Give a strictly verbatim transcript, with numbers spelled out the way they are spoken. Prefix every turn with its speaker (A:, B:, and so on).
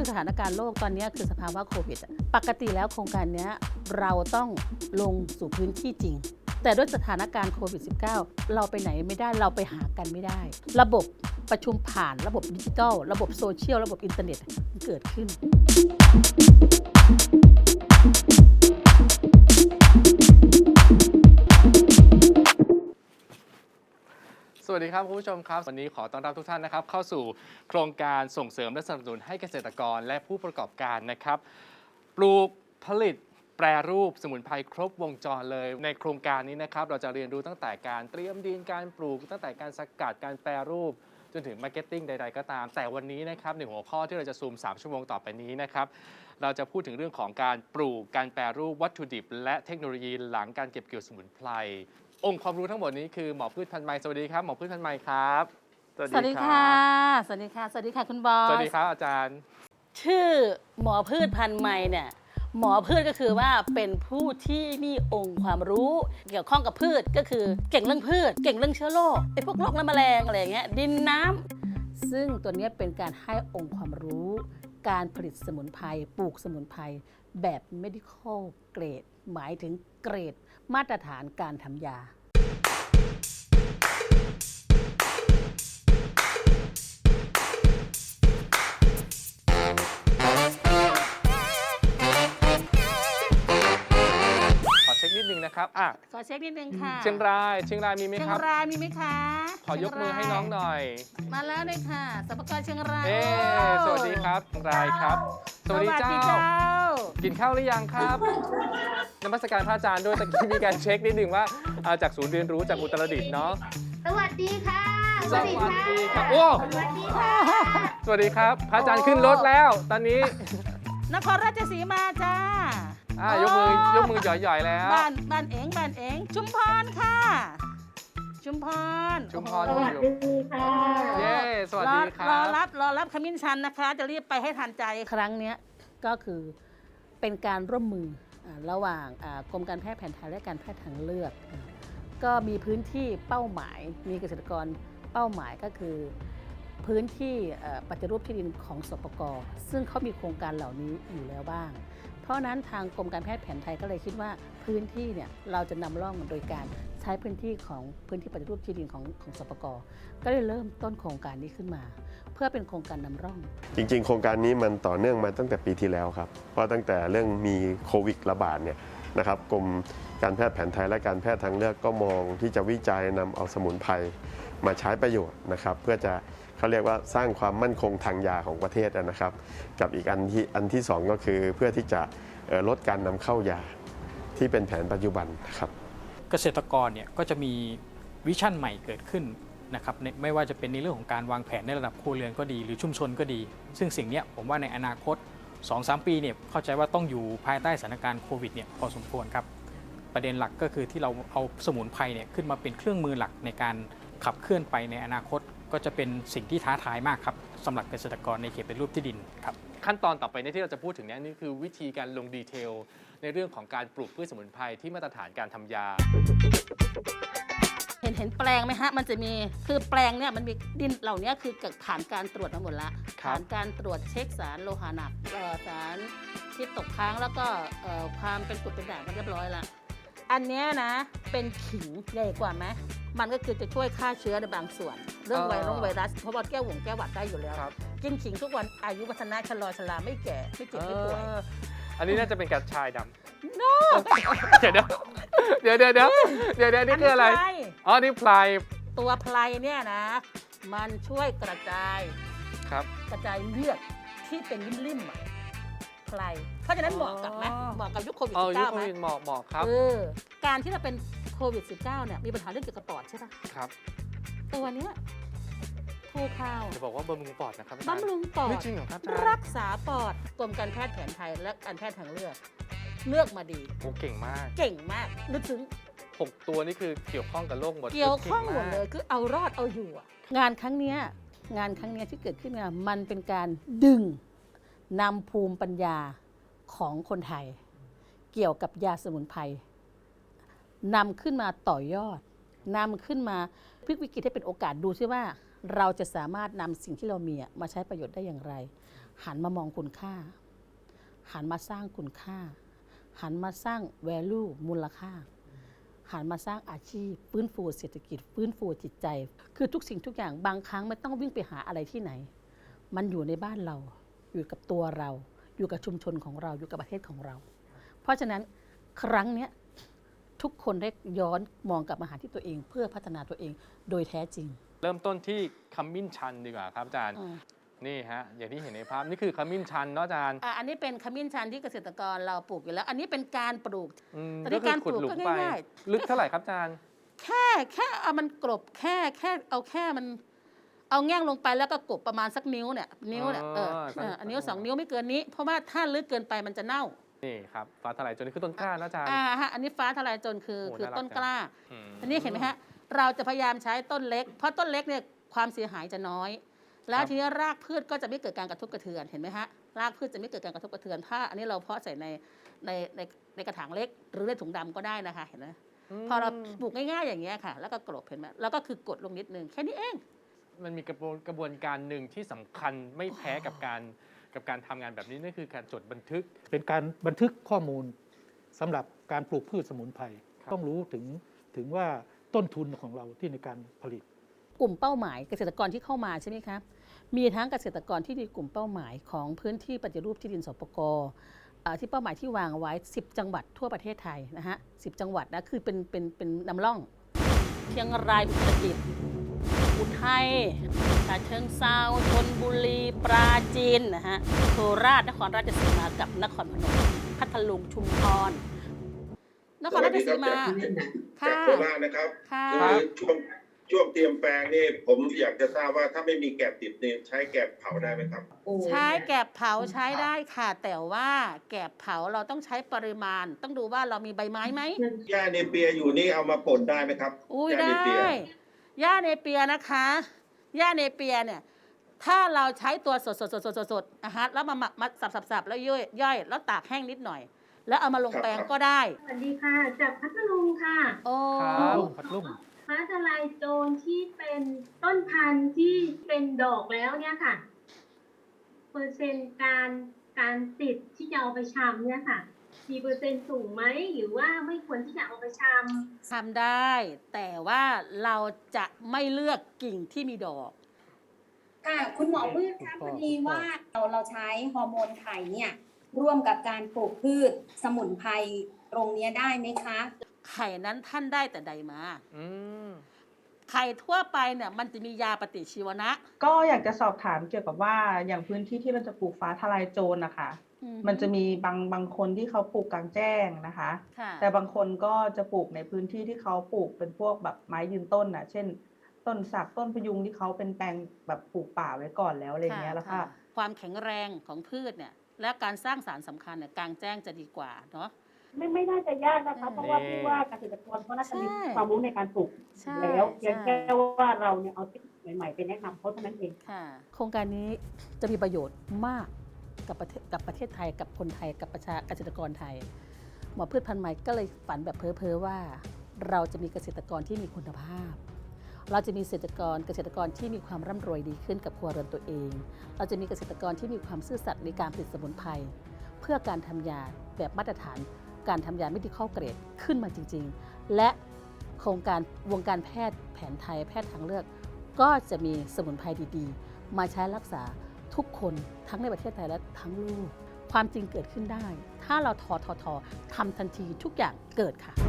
A: สถานการณ์โลกตอนนี้คือสภาวะโควิดปกติแล้วโครงการนี้เราต้องลงสู่พื้นที่จริงแต่ด้วยสถานการณ์โควิด สิบเก้า เราไปไหนไม่ได้เราไปหากันไม่ได้ระบบประชุมผ่านระบบดิจิทัลระบบโซเชียลระบบอินเทอร์เน็ตมันเกิดขึ้น
B: สวัสดีครับคุณผู้ชมครับวันนี้ขอต้อนรับทุกท่านนะครับเข้าสู่โครงการส่งเสริมและสนับสนุนให้เกษตรกรและผู้ประกอบการนะครับปลูกผลิตแปรรูปสมุนไพรครบวงจรเลยในโครงการนี้นะครับเราจะเรียนรู้ตั้งแต่การเตรียมดินการปลูกตั้งแต่การสกัดการแปรรูปจนถึงมาร์เก็ตติ้งใดๆก็ตามแต่วันนี้นะครับหนึ่งหัวข้อที่เราจะซูมสามชั่วโมงต่อไปนี้นะครับเราจะพูดถึงเรื่องของการปลูกการแปรรูปวัตถุดิบและเทคโนโลยีหลังการเก็บเกี่ยวสมุนไพรองค์ความรู้ทั้งหมดนี้คือหมอพืชพันธุ์ไม้สวัสดีครับหมอพืชพันธุ์ไม้ครับ
A: สวัสดีค่ะสวัสดีค่ะสวัสดีค่ะคุณบอส
B: สวัสดีครับอาจารย์
A: ชื่อหมอพืชพันธุ์ไม้เนี่ยหมอพืชก็คือว่าเป็นผู้ที่มีองค์ความรู้เกี่ยวข้องกับพืชก็คือเก่งเรื่องพืชเก่งเรื่องเชื้อโรคไอ้พวกโรคและแมลงอะไรอย่างเงี้ยดินน้ำซึ่งตัวนี้เป็นการให้องค์ความรู้การผลิตสมุนไพรปลูกสมุนไพรแบบ medical grade หมายถึงเกรดมาตรฐานการทำยา
B: นิดนึงนะครับอ่ะ
A: ขอเช็คนิดนึงค่ะ
B: เชียงรายเชียงรายมีไหมครับ
A: เชียงรายมีไหมคะ
B: ขอยกมือให้น้องหน่อย
A: มาแล้วเลยค่ะสปกรเชียงราย
B: เอ๊สวัสดีครับเชียงรายครับสวัสดีเจ้ากินข้าวหรือยังครับนมัสการพระอาจารย์ด้วยตะกี้มีการเช็คนิดนึงว่าจากศูนย์เรียนรู้จากอุตรดิตถ์เนาะ
C: สวัสดีค่ะ
B: สวัสดีครับโอ้
C: สวัสดีค่ะ
B: สวัสดีครับพระอาจารย์ขึ้นรถแล้วตอนนี้
A: นครราชสีมาจ้า
B: อ่ายกมือยกมือหย่อยๆแล้ว
A: บ้านบ้านเองบ้านเองชุมพรค่ะชุมพร
B: ชุมพร
C: สวัสดีค่ะ
B: เย้สวัสดีครับ
A: รอรับรอรับขมิ้นชันนะคะจะรีบไปให้ทันใจครั้งนี้ก็คือเป็นการร่วมมือระหว่างกรมการแพทย์แผนไทยและการแพทย์ทางเลือกก็มีพื้นที่เป้าหมายมีเกษตรกรเป้าหมายก็คือพื้นที่ปฏิรูปที่ดินของสปก.ซึ่งเขามีโครงการเหล่านี้อยู่แล้วบ้างเพราะนั้นทางกรมการแพทย์แผนไทยก็เลยคิดว่าพื้นที่เนี่ยเราจะนำร่องโดยการใช้พื้นที่ของพื้นที่ปฏิรูปที่ดินของของสปก.ก็เลยเริ่มต้นโครงการนี้ขึ้นมาเพื่อเป็นโครงการนำร่อง
D: จริงๆโครงการนี้มันต่อเนื่องมาตั้งแต่ปีที่แล้วครับเพราะตั้งแต่เรื่องมีโควิดระบาดเนี่ยนะครับกรมการแพทย์แผนไทยและการแพทย์ทางเลือกก็มองที่จะวิจัยนำเอาสมุนไพรมาใช้ประโยชน์นะครับเพื่อจะเขาเรียกว่าสร้างความมั่นคงทางยาของประเทศนะครับกับอีกอันที่อันที่สองก็คือเพื่อที่จะลดการนำเข้ายาที่เป็นแผนปัจจุบันครับ
E: เกษตรกรเนี่ยก็จะมีวิชั่นใหม่เกิดขึ้นนะครับไม่ว่าจะเป็นในเรื่องของการวางแผนในระดับครัวเรือนก็ดีหรือชุมชนก็ดีซึ่งสิ่งนี้ผมว่าในอนาคต สองถึงสาม ปีเนี่ยเข้าใจว่าต้องอยู่ภายใต้สถานการณ์โควิดเนี่ยพอสมควรครับประเด็นหลักก็คือที่เราเอาสมุนไพรเนี่ยขึ้นมาเป็นเครื่องมือหลักในการขับเคลื่อนไปในอนาคตก็จะเป็นสิ่งที่ท้าทายมากครับสำหรับเกษตรกรในเขตเป็นรูปที่ดินครับ
B: ขั้นตอนต่อไปที่เราจะพูดถึงนี้นี่คือวิธีการลงดีเทลในเรื่องของการปลูกพืชสมุนไพรที่มาตรฐานการทำยา
A: เห็นเห็นแปลงไหมฮะมันจะมีคือแปลงเนี่ยมันมีดินเหล่านี้คือผ่านการตรวจมาหมดละผ่านการตรวจเช็คสารโลหะหนักสารที่ตกค้างแล้วก็ความเป็นกรดเป็นด่างกันเรียบร้อยละอันนี้นะเป็นขิงใหญ่กว่าไหมมันก็คือจะช่วยฆ่าเชื้อในบางส่วนเรื่องไวรัสไวรัสเพราะว่าแก้วหวงแก้วหวัดได้อยู่แล้วกินขิงทุกวันอายุวัฒนะชะลอชราไม่แก่ไม่เจ็บไม่ป่วย
B: อันนี้น่าจะเป็นกระชายดำ no เดี๋ยวเดี๋ยวเดี๋ยวเดี๋ยวเดี๋ยวเดี๋ยวนี่คืออะไรอ๋อนี่ไพร
A: ตัวไพรเนี่ยนะมันช่วยกระจาย
B: ครับ
A: กระจายเลือดที่เป็นริ่มๆอ่ะไพรเพราะฉะนั้นเหมาะกับไหมเหมาะกับยุคโควิด สิบเก้า ไหม
B: เหมาะเหมาะครับ
A: เออการที่เราเป็นโควิด สิบเก้า เนี่ยมีปัญหาเรื่องเกี่ยวกับปอดใช่ปะ
B: ครับ
A: ตัวเนี้ยทูคาว
B: จะบอกว่าบำรุงปอดนะครับ
A: บำรุงปอด
B: จริงเหรอครับ
A: รักษาปอดกรมการแพทย์แผนไทยและการแพทย์ทางเลือกเลือกมาดี
B: โอ้เก่งมาก
A: เก่งมากนึกถึง
B: หกตัวนี่คือเกี่ยวข้องกับโรคหมด
A: เกี่ยวข้องหมดเลยคือเอารอดเอาอยู่งานครั้งนี้งานครั้งนี้ที่เกิดขึ้นมามันเป็นการดึงนำภูมิปัญญาของคนไทยเกี่ยวกับยาสมุนไพรนำขึ้นมาต่อยอดนำขึ้นมาพลิกวิกฤตให้เป็นโอกาสดูซิว่าเราจะสามารถนำสิ่งที่เรามีอะมาใช้ประโยชน์ได้อย่างไร หันมามองคุณค่า หันมาสร้างคุณค่า หันมาสร้าง value มูลค่า หันมาสร้างอาชีพฟื้นฟูเศรษฐกิจฟื้นฟูจิตใจ คือทุกสิ่งทุกอย่างบางครั้งไม่ต้องวิ่งไปหาอะไรที่ไหน มันอยู่ในบ้านเราอยู่กับตัวเรา อยู่กับชุมชนของเราอยู่กับประเทศของเรา เพราะฉะนั้นครั้งเนี้ยทุกคนได้ย้อนมองกลับมาหาที่ตัวเองเพื่อพัฒนาตัวเองโดยแท้จริง
B: เริ่มต้นที่ขมิ้นชันดีกว่าครับอาจารย์
A: อืม
B: นี่ฮะอย่างที่เห็นในภาพนี่คือขมิ้นชันเนาะอาจารย์
A: อ่ะอันนี้เป็นขมิ้นชันที่เกษตรกรเราปลูกอยู่แล้ว อันนี้เป็นการปลูก
B: อืม
A: แต่ใน
B: ก็คือ
A: การ
B: ขุด
A: ปลูก
B: หลุม
A: ก็
B: ไป
A: ง่าย
B: ลึกเท่าไหร่ครับอาจารย์
A: แค่แค่เอามันกลบแค่แค่เอาแค่มันเอาแง่งลงไปแล้วก็กลบประมาณสักนิ้วเนี่ยนิ้วเนี่ยเออ
B: อ๋อ
A: เอออันนิ้วสองนิ้วไม่เกินนี้ เพราะว่าถ้าลึกเกินไปมันจะเน่า
B: นี่ครับฟ้าทลายโจรนี่คือต้นกล้านะอาจารย์
A: อ่าฮะอันนี้ฟ้าทลายโจรคือ
B: โอ้
A: คือ
B: น่ารัก
A: ต้นกล้า
B: อืม
A: อันนี้เห็นไหมฮะเราจะพยายามใช้ต้นเล็ก เพราะต้นเล็กเนี่ยความเสียหายจะน้อย แล้วทีนี้รากพืชก็จะไม่เกิดการกระทบกระเทือนเห็นไหมฮะรากพืชจะไม่เกิดการกระทบกระเทือนถ้าอันนี้เราเพาะใส่ในในในในกระถางเล็ก หรือในถุงดำก็ได้นะคะเห็นไหมพอเราปลูกง่ายๆอย่างเงี้ยค่ะ แล้วก็กลบเห็นไหมแล้วก็คือกดลงนิดนึงแค่นี้เอง
B: มันมีกระบวนกระบวนการหนึ่งที่สำคัญไม่แพ้กับการกับการทำงานแบบนี้นั่นคือการจดบันทึก
F: เป็นการบันทึกข้อมูลสำหรับการปลูกพืชสมุนไพร
B: ครับ
F: ต้องรู้ถึงถึงว่าต้นทุนของเราที่ในการผลิต
A: กลุ่มเป้าหมายเกษตรกรที่เข้ามาใช่ไหมครับมีทั้งเกษตรกรที่มีกลุ่มเป้าหมายของพื้นที่ปฏิรูปที่ดินสปกอ่าที่เป้าหมายที่วางไว้สิบจังหวัดทั่วประเทศไทยนะฮะสิบจังหวัดนะคือเป็นเป็นเป็นนำร่องเชียงรายอุตรดิตถ์อุทัยฉะเชิงเทราชลบุรีปราจีนนะฮะโคราชนครราชสีมากับนครพนมพัทลุงชุมพรนครราชสีมา
G: จาก
A: ค่ะ
G: โคราชนะครับ
A: ค่ะ
G: คือช่วงช่วงเตรียมแปลงนี่ผมอยากจะทราบว่าถ้าไม่มีแกบติดเนี่ยใช้แกบเผาได้ไหมครับ
A: ใช้แกบเผาใช้ได้ค่ะ แต่ว่าแกบเผาเราต้องใช้ปริมาณ ต้องดูว่าเรามีใบไม้ไหม
G: หญ้าเนเปียอยู่นี่เอามาป่นได้ไหมครับ
A: อุ้ย
G: หญ้า
A: ได้
G: เนเปีย
A: หญ้าเนเปียนะคะหญ้าเนเปียเนี่ยถ้าเราใช้ตัวสดสดสดสดสดสดอ่ะฮะแล้วมาหมักมาสับสับสับแล้วย่อยย่อยแล้วตากแห้งนิดหน่อย แล้วเอามาลงแปลงก็ได้
C: สวัสดีค่ะ จากพัทลุงค่ะ
A: โอ้
B: ครับ
F: พัดลุ่ม
C: ฟ้าทลายโจรที่เป็นต้นพันธุ์ที่เป็นดอกแล้วเนี่ยค่ะ เปอร์เซ็นต์การการติดที่จะเอาไปชำเนี่ยค่ะมีเปอร์เซ็นต์สูงไหมหรือว่าไม่ควรที่จะเอาไปชำ
A: ทำได้ แต่ว่าเราจะไม่เลือกกิ่งที่มีดอก
H: ค่ะคุณหมอพืชคะพอดีว่าเราเราใช้ฮอร์โมนไข่เนี่ยร่วมกับการปลูกพืชสมุนไพรตรงเนี้ยได้ไหมคะ
A: ไข่นั้นท่านได้แต่ใดมา
B: อืม
A: ไข่ทั่วไปเนี่ยมันจะมียาปฏิชีวนะ
I: ก็อยากจะสอบถามเกี่ยวกับว่าอย่างพื้นที่ที่เราจะปลูกฟ้าทลายโจรนะคะ
A: อือฮึ
I: มันจะมีบางบางคนที่เขาปลูกกลางแจ้งนะคะ
A: ค่ะ
I: แต่บางคนก็จะปลูกในพื้นที่ที่เขาปลูกเป็นพวกแบบไม้ยืนต้นน่ะ เช่น ต้นสักต้นพยุงที่เขาเป็นแปลงแบบปลูกป่าไว้ก่อนแล้วอะไรเงี้ยแล้วก็
A: ค่ะความแข็งแรงของพืชเนี่ยและการสร้างสารสำคัญเนี่ยกลางแจ้งจะดีกว่าเนาะ
J: ไม่ไม่น่าจะยากนะคะ
A: อืม
J: เพราะว่าพี่ว่าเกษตรกรเขาน่าจะมี
A: ใช่
J: ความรู้ในการปลูก
A: ใช่
J: แล้วเพียง
A: ใช่
J: แค่ว่าเราเนี่ยเอาเทคนิคใหม่ๆไปแนะนำเขาเท่านั้นเอง
A: ค่ะโครงการนี้จะมีประโยชน์มากกับประเทศกับประเทศไทยกับคนไทยกับประชาเกษตรกรไทย หมอพืชพันธุ์ใหม่ก็เลยฝันแบบเพ้อเพ้อว่า เราจะมีเกษตรกรที่มีคุณภาพ เราจะมีเกษตรกรเกษตรกรที่มีความร่ำรวยดีขึ้นกับครัวเรือนตัวเอง เราจะมีเกษตรกรที่มีความซื่อสัตย์ในการผลิตสมุนไพรเพื่อการทำยาแบบมาตรฐานการทำยา medical grade ขึ้นมาจริงๆ และโครงการวงการแพทย์แผนไทยแพทย์ทางเลือก ก็จะมีสมุนไพรดีๆ มาใช้รักษาทุกคนทั้งในประเทศไทยและทั้งโลกความจริงเกิดขึ้นได้ ถ้าเราทอทอทอทำทันทีทุกอย่างเกิดค่ะ